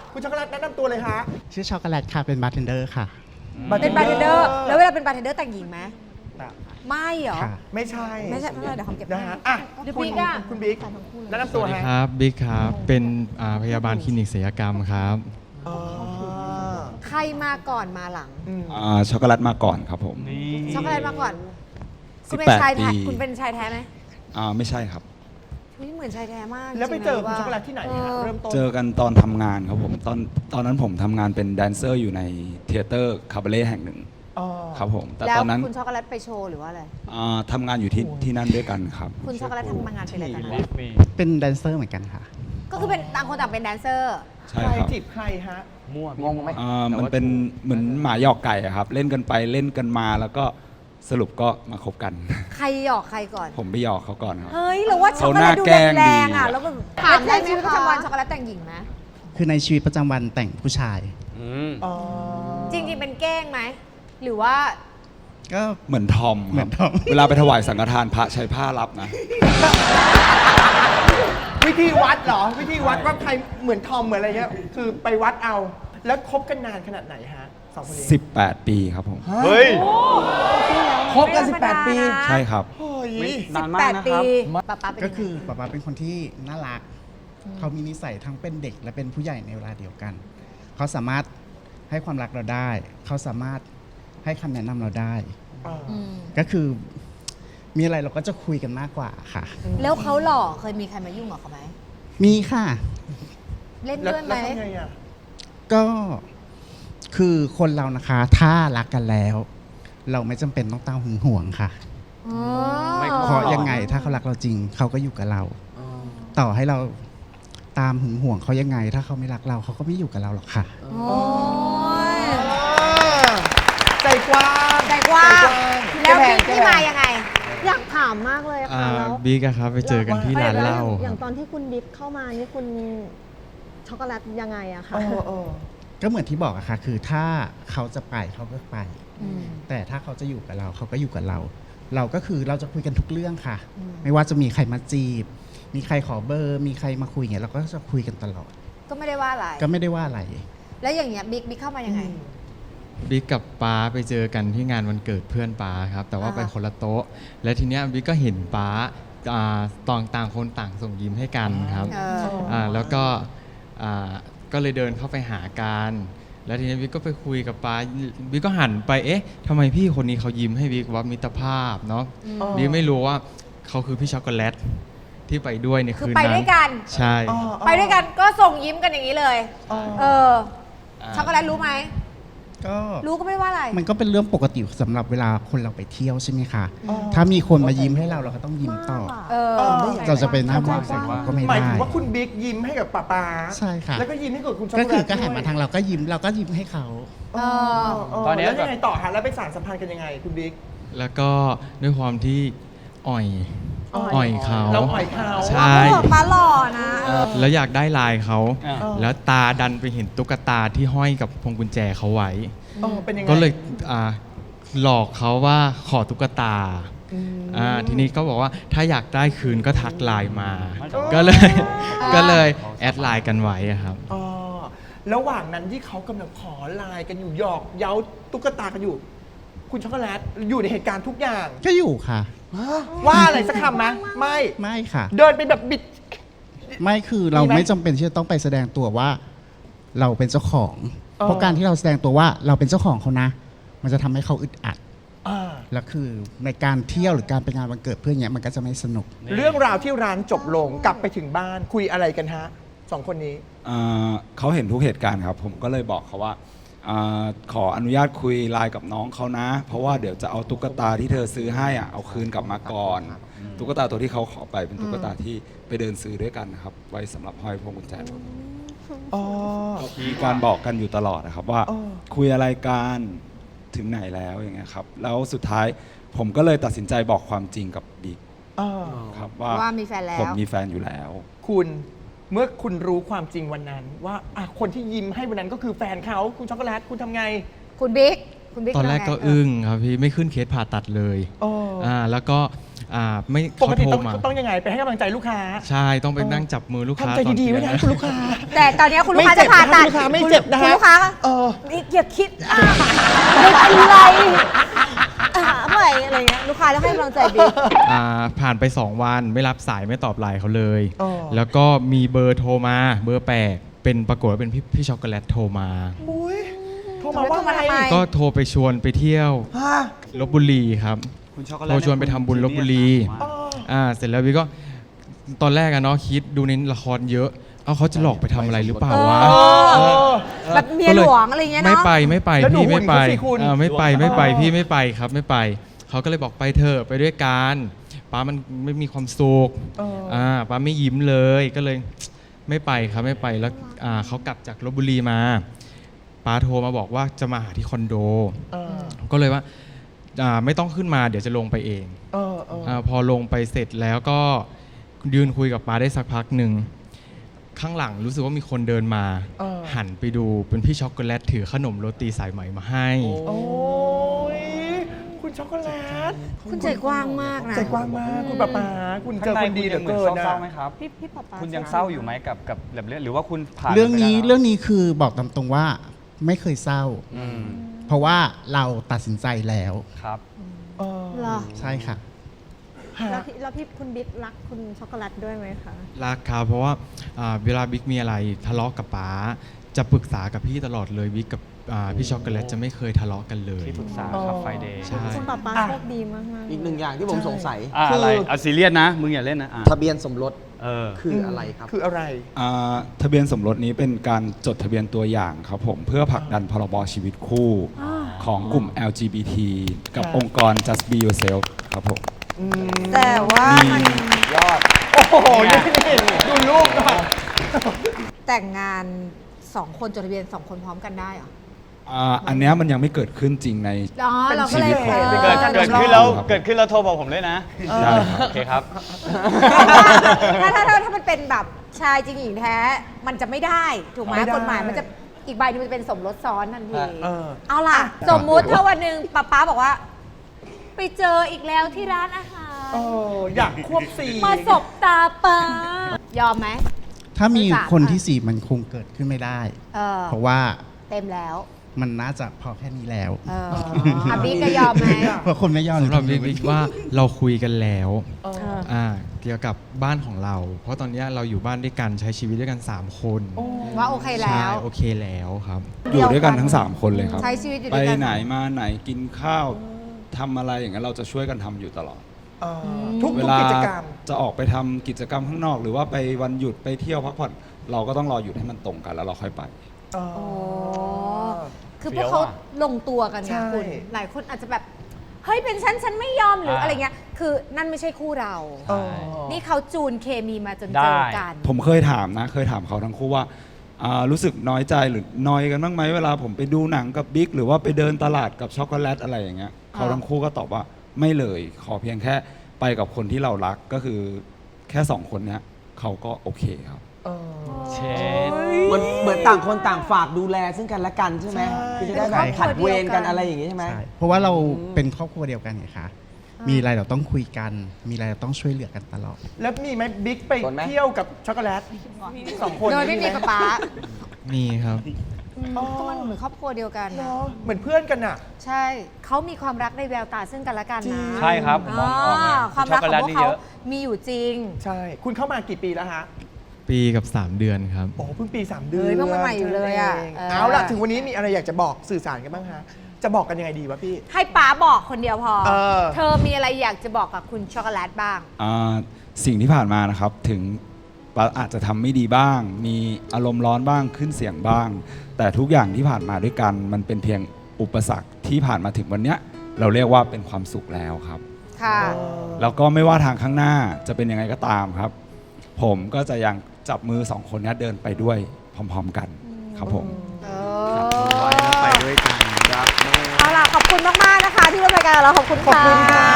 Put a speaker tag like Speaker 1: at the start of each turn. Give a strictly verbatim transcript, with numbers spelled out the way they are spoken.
Speaker 1: คุณช็อกโกแลตแนะนำตัวเลยฮะ
Speaker 2: ชื่อช็อกโกแลตค่ะ เป็นบาร์เทนเดอร์ค่ะ
Speaker 3: เป็นบาร์เทนเดอร์แล้วเวลาเป็นบาร์เทนเดอร์แต่งหญิงไหม
Speaker 1: นะ
Speaker 3: ไม่เหรอ
Speaker 2: ค่ะ
Speaker 1: ไม่ใช่
Speaker 3: ไม่ใช่ไม่ใช่เดี๋ยวหอมเก็บ
Speaker 1: นะ
Speaker 3: ให้
Speaker 1: ฮะอ่ะ
Speaker 3: เดี๋ยว
Speaker 1: คุณ
Speaker 3: บิ๊กอะ
Speaker 1: คุณบิ๊กแนะนำ
Speaker 4: ส
Speaker 1: ตัว
Speaker 4: วัสดี
Speaker 1: ฮะ
Speaker 4: ครับบิ๊กครับ เป็นอ่าพยาบาลคลินิกศัลยกรรมครับ
Speaker 1: อ๋อ
Speaker 3: ใครมาก่อนมาหลัง
Speaker 1: อืม
Speaker 5: อ่าช็อกโกแลตมาก่อนครับผม
Speaker 3: ช็อกโกแลตมาก่อน คุณเป็น
Speaker 5: สิบแปด
Speaker 3: ชายแท้
Speaker 5: ปี
Speaker 3: คุณเป็นชายแท้ไหม
Speaker 5: อ่าไม่ใช่ครับ
Speaker 3: อุ๊ยเหมือนชายแท้มาก
Speaker 1: แล้วไป
Speaker 3: ริงๆ
Speaker 1: เจอ
Speaker 3: นะ
Speaker 1: คุณ
Speaker 3: ว่า
Speaker 1: ช็อกโกแลตที่ไหนฮะเริ่มต้น
Speaker 5: เจอกันตอนทำงานครับผมตอนตอนนั้นผมทำงานเป็นแดนเซอร์อยู่ในเทเตอร์คาบาเล่แห่งหนึ่ง
Speaker 1: อ๋อ
Speaker 5: ครับผมแต่
Speaker 3: แล้ว
Speaker 5: ตอนนั้น
Speaker 3: คุณช็อกโกแลตไปโชว์หรือว่าอะไร
Speaker 5: อ่าทำงานอยู่ที่ที่นั่นด้วยกันครับ
Speaker 3: คุณช็อกโกแลตทำงานเป็นอะไรตอนนั้น
Speaker 2: เป็นแดนเซอร์เหมือนกันค่ะ
Speaker 3: ก็คือเป็นต่างคนต่างเป็นแดนเซอร์
Speaker 5: ใช่
Speaker 1: ใคร
Speaker 5: ครับ
Speaker 1: จีบใครฮะ
Speaker 6: งงไหม
Speaker 5: อ่ามันเป็นเหมือนหมาหยอกไก่อะครับ เล่นกันไปเล่นกันมาแล้วก็สรุปก็มาคบกัน
Speaker 3: ใครหยอกใครก่อน
Speaker 5: ผมไปหยอกเขาก่อนครับ
Speaker 3: เฮ้ยเราว่าช็อกโกแลตดู
Speaker 5: เขาหน้าแกล้ง
Speaker 3: แรงๆอ่ะ
Speaker 5: ดี
Speaker 3: แล้วแบบถามได้ไหมชีวิตประจำวันช็อกโกแลตแต่งหญิงไหม
Speaker 2: คือในชีวิตประจำวันแต่งผู้ชาย
Speaker 1: อ๋อ
Speaker 3: จริงๆเป็นเก้งไหมหรือว่า
Speaker 2: ก็
Speaker 5: เหมือนทอม
Speaker 2: เหมือนทอม
Speaker 5: เวลาไปถวายสังฆทานพระใช้ผ้ารับนะ
Speaker 1: วิธีวัดเหรอ วิธีวัดว่าใครเหมือนทอมเหมือนอะไรเงี้ย คือไปวัดเอา แล้วคบกันนานขนาดไหนฮะสองคนนี้
Speaker 5: สิบแปด ปีครับผม
Speaker 6: เฮ้ย
Speaker 1: คบกันสิบแปดปี
Speaker 5: ใช่ครับ
Speaker 1: เฮ้ย
Speaker 6: นาน
Speaker 3: สิบ
Speaker 6: มา
Speaker 3: แป
Speaker 6: ก
Speaker 3: ด
Speaker 6: นะค
Speaker 3: ปี
Speaker 6: รับ
Speaker 3: ป๊าป๊าเป็น
Speaker 2: ก็
Speaker 3: ยังไง
Speaker 2: คือป๊าป๊าเป็นคนที่น่ารัก เขามีนิสัยทั้งเป็นเด็กและเป็นผู้ใหญ่ในเวลาเดียวกัน เขาสามารถให้ความรักเราได้ เขาสามารถให้คำแนะนำเราได้
Speaker 1: อ่า
Speaker 3: อืม
Speaker 2: ก็คือมีอะไรเราก็จะคุยกันมากกว่าค่ะ
Speaker 3: แล้วเขาหล่อเคยมีใครมายุ่งกับเขาไหม
Speaker 2: มีค่ะ
Speaker 3: เล่น
Speaker 1: แล้ว
Speaker 3: ด้วยไหม
Speaker 1: แล้วทำไงอ่ะ
Speaker 2: ก็คือคนเรานะคะ ถ้ารักกันแล้ว เราไม่จำเป็นต้องตามหึงหวงค่ะ
Speaker 3: อ๋อ
Speaker 6: ไม่
Speaker 2: เพราะยังไงถ้าเขารักเราจริง เขาก็อยู่กับเรา ต่อให้เราตามหึงหวงเขายังไง ถ้าเขาไม่รักเราเขาก็ไม่อยู่กับเราหรอกค่ะ
Speaker 3: โอ้ย
Speaker 1: ใจกว้าง
Speaker 3: ใจกว้าง แล้ว
Speaker 1: ใจ
Speaker 3: พี่
Speaker 1: ก
Speaker 3: ที่
Speaker 1: ว้
Speaker 3: มาง ยังไง
Speaker 7: อยากถามมากเลยอะ
Speaker 4: อ่า
Speaker 7: ค่ะแล้ว
Speaker 4: บิ๊กอะครับไปเจอกันที่ร้านเหล้า
Speaker 7: อย่าง
Speaker 4: ค
Speaker 7: ต
Speaker 4: รับ
Speaker 7: อนที่คุณบิ๊กเข้ามานี่คุณช็อกโกแลตยังไงอะคะ
Speaker 1: เออเออ
Speaker 2: ก็เหมือนที่บอกอะค่ะ คือถ้าเขาจะไปเขาก็ไป
Speaker 3: อืม
Speaker 2: แต่ถ้าเขาจะอยู่กับเราเขาก็อยู่กับเรา เราก็คือเราจะคุยกันทุกเรื่องค่ะ
Speaker 3: อืม
Speaker 2: ไม่ว่าจะมีใครมาจีบ มีใครขอเบอร์ มีใครมาคุยอย่างเงี้ยเราก็จะคุยกันตลอด
Speaker 3: ก็ไม่ได้ว่าอะไร
Speaker 2: ก็ไม่ได้ว่าอะไร
Speaker 3: แล้วอย่างเงี้ยบิ๊กบิ๊กเข้ามายังไง
Speaker 4: บิ๊กกับป๊าไปเจอกันที่งานวันเกิดเพื่อนป๊าครับ แต่ว่า
Speaker 3: อ่า
Speaker 4: ไปคนละโต๊ะ และทีเนี้ยบิ๊กก็เห็นป๊าอ่าตองต่างคนต่างส่งยิ้มให้กันครับ
Speaker 3: เออ
Speaker 4: อ่าแล้วก็อ่าก็เลยเดินเข้าไปหากันแล้วทีนี้บิ๊กก็ไปคุยกับป๊าบิ๊กก็หันไปเอ๊ะทำไมพี่คนนี้เขายิ้มให้บิ๊กว่ามิตรภาพเนาะ
Speaker 3: อืม
Speaker 4: บิ๊กไม่รู้ว่าเขาคือพี่ช็อกโกแลตที่ไปด้วยใน
Speaker 3: คือ
Speaker 4: คืน
Speaker 3: ไป
Speaker 4: นั้น
Speaker 3: ด้วยกัน
Speaker 4: ใช่
Speaker 1: อ๋ออ๋อ
Speaker 3: ไปด้วยกันก็ส่งยิ้มกันอย่างนี้เลย
Speaker 1: อ๋อ
Speaker 3: เออ ช็อกโกแลตรู้ไหม
Speaker 2: ก็
Speaker 3: รู้ก็ไม่ว่าอะไร
Speaker 2: มันก็เป็นเรื่องปกติสำหรับเวลาคนเราไปเที่ยวใช่ไหมคะ
Speaker 1: อ๋อ
Speaker 2: ถ้ามีคนมายิ้มให้เราเราก็ต้องยิ้มตอบ
Speaker 3: เออ
Speaker 1: เออ
Speaker 2: เราจะไปหน้าบ้านก็ไม่
Speaker 1: หมาย
Speaker 2: ได้
Speaker 1: ถึงว่าคุณบิ๊กยิ้มให้กับป๊าป๊า
Speaker 2: ใช่ค่ะ
Speaker 1: แล้วก็ยิ้มให้กับคุณช็อก
Speaker 2: ก็
Speaker 1: โกแล
Speaker 2: คือ
Speaker 1: ต
Speaker 2: ก็หันมาทางเราก็ยิ้มเราก็ยิ้มให้เขา
Speaker 3: เออ
Speaker 1: ตอนนี้แล้วยังไงต่อฮะแล้วไปสานสัมพันธ์กันยังไงคุณบิ๊ก
Speaker 4: แล้วก็ด้วยความที่อ่อยอ่อยเขา
Speaker 1: เราอ่อยเขา
Speaker 4: ใช่
Speaker 3: เขาบอกป้าหล่อนะ
Speaker 4: แล้วอยากได้ลายเขา
Speaker 6: อ่า
Speaker 4: แล้วตาดันไปเห็นตุ๊กตาที่ห้อยกับพวงกุญแจเขาไว้
Speaker 1: เออเป็นยังไง
Speaker 4: ก็เลยอ่าหลอกเขาว่าขอตุ๊กตา
Speaker 1: อืม
Speaker 4: อ่าทีนี้ก็บอกว่าถ้าอยากได้คืนก็ทักไลน์มา
Speaker 1: อ๋อ
Speaker 4: ก็เลย ก็เลยแอดไลน์กันไว้อะครับ
Speaker 1: อ๋อระหว่างนั้นที่เขากำลังขอไลน์กันอยู่หยอกเย้าตุ๊กตากันอยู่ คุณช็อกโกแลตอยู่ในเหตุการณ์ทุกอย่าง
Speaker 2: ก็อยู่ค่ะ
Speaker 1: ว่าอะไรสักคำไหมไม่
Speaker 2: ไม่ค่ะ
Speaker 1: เดินไปแบบบิด
Speaker 2: ไม่คือเรา
Speaker 1: มีไหม
Speaker 2: ไม่จำเป็นที่จะต้องไปแสดงตัวว่า เราเป็นเจ้าของ
Speaker 1: เออ
Speaker 2: เพราะการที่เราแสดงตัวว่าเราเป็นเจ้าของเขานะ มันจะทำให้เขาอึดอัด
Speaker 1: อ่า
Speaker 2: แล้วคือในการเที่ยวหรือการไปงานวันเกิดเพื่อนเนี้ยมันก็จะไม่สนุก
Speaker 1: เรื่องราวที่ร้านจบลงกลับไปถึงบ้านคุยอะไรกันฮะสองคนนี้
Speaker 5: อ่าเขาเห็นทุกเหตุการณ์ครับ ผมก็เลยบอกเขาว่าอาขออนุญาตคุยไลน์กับน้องเขานะ เพราะว่าเดี๋ยวจะเอาตุ๊กตาที่เธอซื้อให้อ่ะเอาคืนกลับมาก่อน ตุ๊กตาตัวที่เขาขอไปเป็นตุ๊กตาที่ไปเดินซื้อด้วยกันนะครับ ไว้สำหรับห้อยพวงกุญแจรถ
Speaker 1: อ๋อ
Speaker 5: มีการบอกกันอยู่ตลอดนะครับว่า
Speaker 1: อ๋อ
Speaker 5: คุยอะไรกันถึงไหนแล้วอย่างเงี้ยครับแล้วสุดท้ายผมก็เลยตัดสินใจบอกความจริงกับบิ๊ก
Speaker 1: อ่า
Speaker 5: ครับว่า
Speaker 3: ว่ามีแฟนแล้ว
Speaker 5: ผมมีแฟนอยู่แล้ว
Speaker 1: คุณเมื่อคุณรู้ความจริงวันนั้น ว่าอ่ะคนที่ยิ้มให้วันนั้นก็คือแฟนเขาคุณช็อกโกแลตคุณทำไง
Speaker 3: คุณบิ๊ก คุณบิ๊ก
Speaker 4: ตอนแรกก็
Speaker 3: ทำไง
Speaker 4: อึ้งครับพี่ไม่ขึ้นเคสผ่าตัดเลย
Speaker 1: อ๋ออ่
Speaker 4: อ่าแล้วก็อ่าไม่
Speaker 1: ป
Speaker 4: เขา
Speaker 1: กติ
Speaker 4: โทร
Speaker 1: ต้อง
Speaker 4: มา
Speaker 1: ต้องยังไงไปให้กำลังใจลูกค้า
Speaker 4: ใช่ต้องไปนั่งจับมือลูกค้า
Speaker 1: ทำใจ
Speaker 4: ตอน
Speaker 1: ดีๆไว้
Speaker 4: เที่ย
Speaker 1: นะ
Speaker 4: ง
Speaker 1: คุณลูกค้า
Speaker 3: แต่ตอนนี้คุณลูกค้า
Speaker 1: ไม่เจ็
Speaker 3: จะ
Speaker 1: บ
Speaker 3: ผ่าตัด
Speaker 1: นะคุณลูกค้าไม่เจ็บนะฮะ
Speaker 3: คุณลูกค้าก็
Speaker 1: เออ
Speaker 3: นี่อย่าคิดอ่ะไม่เป็นไรอ่ะไม่อะไรเงี้ยลูกค้าแล้วให้กำลังใจบิ๊ก
Speaker 4: อ่าผ่านไป สอง วันไม่รับสายไม่ตอบไลน์เขาเลย
Speaker 1: อ๋อ
Speaker 4: แล้วก็มีเบอร์โทรมาเบอร์แปลกเป็นปรากฏว่าเป็นพี่พี่ช็อกโกแลตโทรมา
Speaker 1: อุ้ยโทรมาว่า
Speaker 3: โทรมาทำไม
Speaker 1: ไง
Speaker 4: ก็โทรไปชวนไปเที่ยว
Speaker 1: ฮะ
Speaker 4: ลบบุรีครับ
Speaker 6: คุณช็อกโกแลต
Speaker 4: เราชวนไปทำบุญลพบุรี
Speaker 1: อ๋อ
Speaker 4: อ่า เสร็จแล้ววิก็ตอนแรกอะเนาะคิดดูในละครเยอะ เอาเขาจะหลอกไปทำอะไรหรือเปล่าวะ
Speaker 3: เออ
Speaker 4: เออ
Speaker 3: แบบเมียหลวงอะไรเงี้ย
Speaker 4: ไม่
Speaker 3: เนาะ
Speaker 4: ไปไม่ไป
Speaker 1: แล้วหนู
Speaker 4: พี่ไม่ไป
Speaker 1: หุ่นเขาสิคุณ
Speaker 4: อ่าไม่ไปไม่ไป
Speaker 1: เออ
Speaker 4: พี่ไม่ไปครับไม่ไป เขาก็เลยบอกไปเถอะไปด้วยกันป้ามันไม่มีความสุข
Speaker 1: เออ
Speaker 4: อ่าป้าไม่ยิ้มเลยก็เลยไม่ไปครับไม่ไปแล้วอ่าเขากลับจากลพบุรีมาป้าโทรมาบอกว่าจะมาหาที่คอนโด
Speaker 1: เออ
Speaker 4: ก็เลยว่าอ่าไม่ต้องขึ้นมาเดี๋ยวจะลงไปเอง
Speaker 1: เออเออ
Speaker 4: อาพอลงไปเสร็จแล้วก็ยืนคุยกับป้าได้สักพักหนึ่งข้างหลังรู้สึกว่ามีคนเดินมา
Speaker 1: เออ
Speaker 4: หันไปดูเป็นพี่ช็อกโกแลตถือขนมโรตีสายไหมมาให้
Speaker 1: โอ้ยคุณช็อกโกแลต
Speaker 3: คุณใจกว้างมากนะ
Speaker 1: ใจกว้างมากคุณป๊าป๊าคุณเจ
Speaker 6: ข้าง
Speaker 1: อ
Speaker 6: ใน
Speaker 1: คนดี
Speaker 6: คุณ
Speaker 1: เหลื
Speaker 6: ยั
Speaker 1: อง
Speaker 6: เหมือน
Speaker 1: เกินนะ
Speaker 6: เศร้าๆไหมครับ
Speaker 7: พี่พี่ป๊าป๊า
Speaker 6: คุณยังเศร้าอยู่ไหมกับกับแบบเรื่องหรือว่าคุณผ่าน
Speaker 2: เรื่องนี้
Speaker 6: ไปแล้ว
Speaker 2: เรื่องนี้คือบอกตามตรงว่าไม่เคยเศร้า
Speaker 6: อืม
Speaker 2: เพราะว่าเราตัดสินใจแล้ว
Speaker 6: ครับ
Speaker 1: เออ
Speaker 7: เหรอ
Speaker 2: ใช่ค่ะ
Speaker 1: ฮะ
Speaker 7: แล้วพี่แล้วพี่คุณบิ๊กรักคุณช็อกโกแลตด้วยไหมคะ
Speaker 4: รักครับเพราะว่าอ่าเวลาบิ๊กมีอะไรทะเลาะกับป้าจะปรึกษากับพี่ตลอดเลยบิ๊กกับอ่าพี่ช็อกโกแลตจะไม่เคยทะเลาะกันเลย
Speaker 6: ที่ปรึกษาครับไฟเดย์
Speaker 4: ใช่
Speaker 7: คุณป๊าป๊า
Speaker 1: อ่ะ
Speaker 7: โชคดีมากๆ
Speaker 8: อีกหนึ่งอย่างที่ผมสงสัย
Speaker 6: อ่ะ
Speaker 8: คื
Speaker 6: อะไรเอาซีเรียสนะ มึงอย่าเล่นนะอ่ะ
Speaker 8: ทะเบียนสมรส
Speaker 6: เออ
Speaker 8: คืออะไรครับ
Speaker 1: คืออะไร
Speaker 5: อ่าทะเบียนสมรสนี้เป็นการจดทะเบียนตัวอย่างครับผมเพื่อผลักดันพรบชีวิตคู่ของกลุ่ม แอล จี บี ที กับ
Speaker 1: ครับ
Speaker 5: องค์กร just be yourself ครับผม
Speaker 1: อืม
Speaker 3: แต่ว่ามัน
Speaker 8: ยอด
Speaker 1: โอ้โหนี่นี่ดูรูปก่อน
Speaker 3: แต่งงานสองคนจดทะเบียนสองคนพร้อมกันได้เหรอ
Speaker 5: อ่าอันเนี้ยมันยังไม่เกิดขึ้นจริงใน
Speaker 3: อ๋อเราก็เลย
Speaker 1: เป็นชีวิต
Speaker 3: ออ
Speaker 6: เกิดเกิดขึ้นแล้วเกิดขึ้นแล้วโทรบอกผมด้วยนะ
Speaker 5: ใช่ครับ
Speaker 6: โอเคครับ
Speaker 3: ถ้าถ้าถ้าถ้ามันเป็นแบบชายจริงหญิงแท้ มันจะไม่ได้ถูกไหม
Speaker 1: ไม่ได้
Speaker 3: กฎหมายมันจะอีกใบหนึงมันจะเป็นสมรสซ้อนทันที
Speaker 1: เออ
Speaker 3: เอาล่ะ สมมุติถ้าวันหนึ่งป๊าป๊าบอกว่า ไปเจออีกแล้วที่ร้านอาหาร
Speaker 1: เอออยากควบสี
Speaker 3: มาสบตาป๊ายอมไหม
Speaker 2: ถ้ามี
Speaker 3: ไม่สาม
Speaker 2: คน
Speaker 3: อ่ะ
Speaker 2: ที่สี่มันคงเกิดขึ้นไม่ได้
Speaker 3: เออ
Speaker 2: เพราะว่า
Speaker 3: เต็มแล้ว
Speaker 2: มันน่าจะพอแค่นี้แล้ว
Speaker 3: เอออาบิ๊กก็ยอมไหม
Speaker 2: เพราะคนไม่ยอม
Speaker 4: สำหรับบิ๊กบิ๊กว่าเราคุยกันแล้ว
Speaker 1: เออ
Speaker 4: อ่าเกี่ยวกับบ้านของเรา เพราะตอนเนี้ยเราอยู่บ้านด้วยกันใช้ชีวิตด้วยกันสามคน
Speaker 3: ว่าโอเคแล้
Speaker 4: ใช่
Speaker 3: ว
Speaker 4: โอเคแล้วครับ
Speaker 5: อยู่ด้วยกันทั้ง 3 คนเลยครับ
Speaker 3: ใช้ชีวิตอยู่
Speaker 5: ไป
Speaker 3: ด้วยกัน
Speaker 5: ไหนมาไหนกินข้าวทำอะไรอย่างเงี้ยเราจะช่วยกันทำอยู่ตลอด
Speaker 1: เออทุก
Speaker 5: เว
Speaker 1: ทุก
Speaker 5: ลา
Speaker 1: กิจกรรม
Speaker 5: จะออกไปทำกิจกรรมข้างนอก หรือว่าไปวันหยุดไปเที่ยวพักผ่อนเราก็ต้องรอหยุดให้มันตรงกันแล้วเราค่อยไป
Speaker 1: เออ
Speaker 3: โอ้คือพวกเขา
Speaker 6: เฟี้ยวอะ
Speaker 3: ลงตัวกันไง
Speaker 1: ใช่
Speaker 3: คุณ หลายคนอาจจะแบบ เฮ้ย เป็นฉัน ฉันไม่ยอมหรือ
Speaker 6: อ่า
Speaker 3: อะไรเงี้ย คือนั่นไม่ใช่คู่เรา
Speaker 1: เออ
Speaker 3: นี่เขาจูนเคมีมาจน
Speaker 6: ได้
Speaker 3: เจอกัน
Speaker 5: ผมเคยถามนะ เคยถามเขาทั้งคู่ว่าอ่ารู้สึกน้อยใจหรือนอยกันบ้างไหมเวลาผมไปดูหนังกับบิ๊กหรือว่าไปเดินตลาดกับช็อกโกแลตอะไรอย่างเงี้ยเขาทั้งคู่ก็ตอบว่าไม่เลย ขอเพียงแค่ไปกับคนที่เรารักก็คือแค่สองคนเนี้ยเขาก็โอเคครับ
Speaker 1: เออ
Speaker 6: เชด
Speaker 8: เหมือนเหมือนต่างคนต่างฝากดูแลซึ่งกันและกันใช่ไหม
Speaker 1: ใช่
Speaker 8: คือจะได้แบบผัดเวรกันอะไรอย่างงี้ใช่ไหม
Speaker 2: ใช่เพราะว่าเราเป็นครอบครัวเดียวกันไงคะ มีอะไรเราต้องคุยกัน มีอะไรเราต้องช่วยเหลือกันตลอด
Speaker 1: แล้วมีไหมบิ๊กไป
Speaker 8: สนไหม
Speaker 1: เที่ยวกับช็อกโกแลตสองคน
Speaker 3: โดยไม่มี
Speaker 1: ห
Speaker 3: กับป๊า
Speaker 4: มีครับ
Speaker 3: ก็มันเหมือนครอบครัวเดียวกัน
Speaker 1: เน
Speaker 3: นะ
Speaker 1: อะเหมือนเพื่อนกันอ่ะ
Speaker 3: ใช่ เขามีความรักในแววตาซึ่งกันและกัน
Speaker 1: จริง
Speaker 3: นะ
Speaker 6: ใช่ครับผมมองออกเลย
Speaker 3: าความรักของพวก
Speaker 6: ช็อกโกแลตนี่
Speaker 3: เขา
Speaker 6: เยอะ
Speaker 3: มีอยู่จริง
Speaker 1: ใช่ คุณเข้ามากี่ปีแล้วฮะ
Speaker 4: ปีกับ สาม เดือนครับ
Speaker 1: โอ้เพิ่งปีสามเดือน
Speaker 3: เฮ้ยเพิ่งใหม่ๆอยู่เลยอะ
Speaker 1: เง
Speaker 3: เออ
Speaker 1: เอาล่ะ ถึงวันนี้มีอะไรอยากจะบอกสื่อสารกันบ้างฮะ จะบอกกันยังไงดีวะพี่
Speaker 3: ให้ป๊าบอกคนเดียวพอ
Speaker 1: เออ
Speaker 3: เธอมีอะไรอยากจะบอกกับคุณช็อกโกแลตบ้าง
Speaker 5: อ่าสิ่งที่ผ่านมานะครับถึงอาจจะทำไม่ดีบ้าง มีอารมณ์ร้อนบ้างขึ้นเสียงบ้าง แต่ทุกอย่างที่ผ่านมาด้วยกันมันเป็นเพียงอุปสรรคที่ผ่านมาถึงวันเนี้ยเราเรียกว่าเป็นความสุขแล้วครับ
Speaker 3: ค่ะ
Speaker 5: แล้วก็ไม่ว่าทางข้างหน้าจะเป็นยังไงก็ตามครับ ผมก็จะยังจับมือสองคนนี้เดินไปด้วยพร้อมๆกันครับผม
Speaker 3: เอ
Speaker 2: ไว้
Speaker 3: อ
Speaker 2: แล้วไปด้วยกันครับ
Speaker 3: เอาล่ะ ขอบคุณมาก ๆ นะคะ ที่ร่วมรายการกับเราขอบคุณ
Speaker 1: ขอบ
Speaker 3: ค่ะ
Speaker 1: คุณค่ะ